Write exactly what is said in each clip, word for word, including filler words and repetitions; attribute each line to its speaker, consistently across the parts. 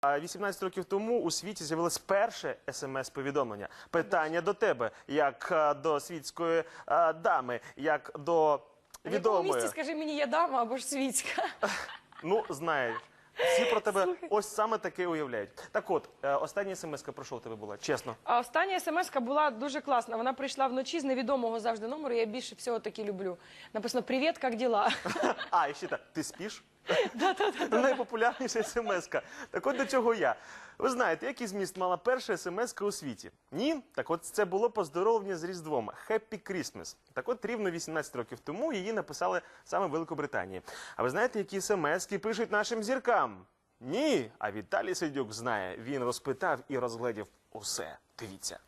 Speaker 1: вісімнадцять років тому у світі з'явилось перше смс-повідомлення. Питання до тебе, як а, до світської а, дами, як до
Speaker 2: В якому
Speaker 1: відомої.
Speaker 2: місці, скажи мені, я дама або ж світська?
Speaker 1: Ну, знаєш. Всі про тебе ось саме таке уявляють. Так от, е, остання смс-ка про що у тебе була? Чесно.
Speaker 2: А остання смс-ка була дуже класна. Вона прийшла вночі з невідомого завжди номеру. Я більше всього таки люблю. Написано «Привіт, як діла?»
Speaker 1: А, і ще так, ти спиш? Найпопулярніша смс-ка. Так от до чого я. Ви знаєте, який зміст мала перша смс-ка у світі? Ні? Так от це було поздоровлення з Різдвом. Happy Christmas. Так от рівно вісімнадцять років тому її написали саме в Великобританії. А ви знаєте, які смс-ки пишуть нашим зіркам? Ні. А Віталій Сердюк знає. Він розпитав і розгледів усе. Дивіться.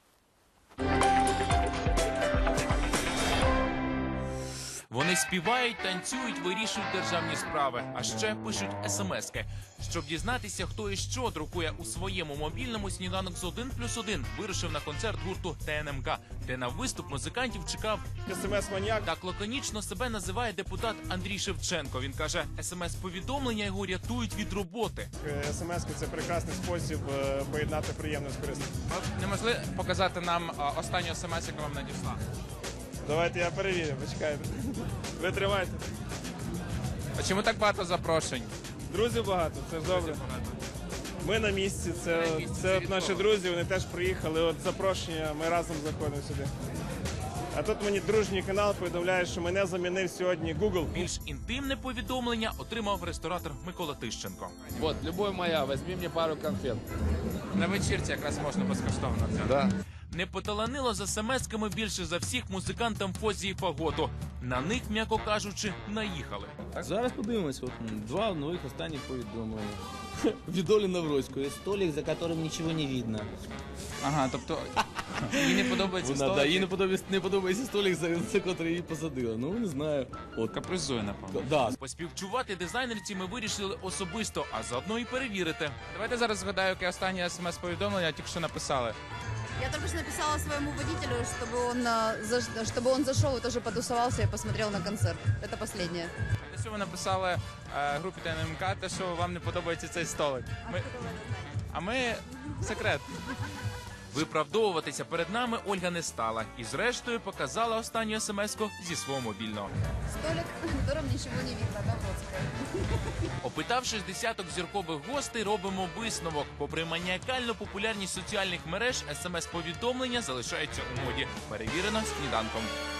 Speaker 3: Вони співають, танцюють, вирішують державні справи, а ще пишуть смски. Щоб дізнатися, хто і що друкує у своєму мобільному, сніданок з один плюс один вирушив на концерт гурту Т Н М К, де на виступ музикантів чекав
Speaker 4: СМС-маніак.
Speaker 3: так лаконічно себе називає депутат Андрій Шевченко. Він каже, смс-повідомлення його рятують від роботи.
Speaker 4: СМС – це прекрасний спосіб е, поєднати приємне з корисним.
Speaker 5: Не могли показати нам а, останню смс, яку вам надійшла?
Speaker 4: Давайте я перевірю, почекайте. Ви тримайте.
Speaker 5: А чому так багато запрошень?
Speaker 4: Друзів багато, це ж добре. Ми на місці, це,
Speaker 5: на місці,
Speaker 4: це
Speaker 5: це
Speaker 4: от
Speaker 5: від
Speaker 4: наші
Speaker 5: кого?
Speaker 4: друзі, вони теж приїхали, от запрошення, ми разом заходимо сюди. А тут мені дружній канал повідомляє, що мене замінив сьогодні Google.
Speaker 3: Більш інтимне повідомлення отримав ресторатор Микола Тищенко.
Speaker 6: Вот, любовь моя, возьми мне пару конфет.
Speaker 5: На вечірці якраз можна безкоштовно взяти.
Speaker 6: Да.
Speaker 3: Не поталанило за смс-ками більше за всіх музикантам Фозі і Фаготу. На них, м'яко кажучи, наїхали.
Speaker 7: Зараз подивимось, от м, два нових останніх повідомлення. Від Олі Навроцької. Столик, за яким нічого не видно.
Speaker 5: Ага, тобто їй не подобається
Speaker 7: Вона, да,
Speaker 5: столик?
Speaker 7: їй не подобається, не подобається столик, за, за котрий її посадила. Ну, не знаю. От.
Speaker 5: Капризує, напевно.
Speaker 7: Да.
Speaker 3: Поспівчувати дизайнерці ми вирішили особисто, а заодно і перевірити.
Speaker 5: Давайте зараз згадаю, яке останнє смс-повідомлення тільки що написали.
Speaker 8: Я только что написала своему водителю, чтобы он, а, за- чтобы он зашел и тоже потусовался и посмотрел на концерт. Это последнее.
Speaker 5: Те, що ви написали е, групі Т Н М К, те, що вам не подобається цей столик. Ми... А ми... секрет.
Speaker 3: Виправдовуватися перед нами Ольга не стала і зрештою показала останню смс-ку зі свого мобільного.
Speaker 8: Столик, на котором ничего не видно, Навроцкая.
Speaker 3: Опитавшись десяток зіркових гостей, робимо висновок. Попри маніакальну популярність соціальних мереж, смс-повідомлення залишаються у моді. Перевірено сніданком.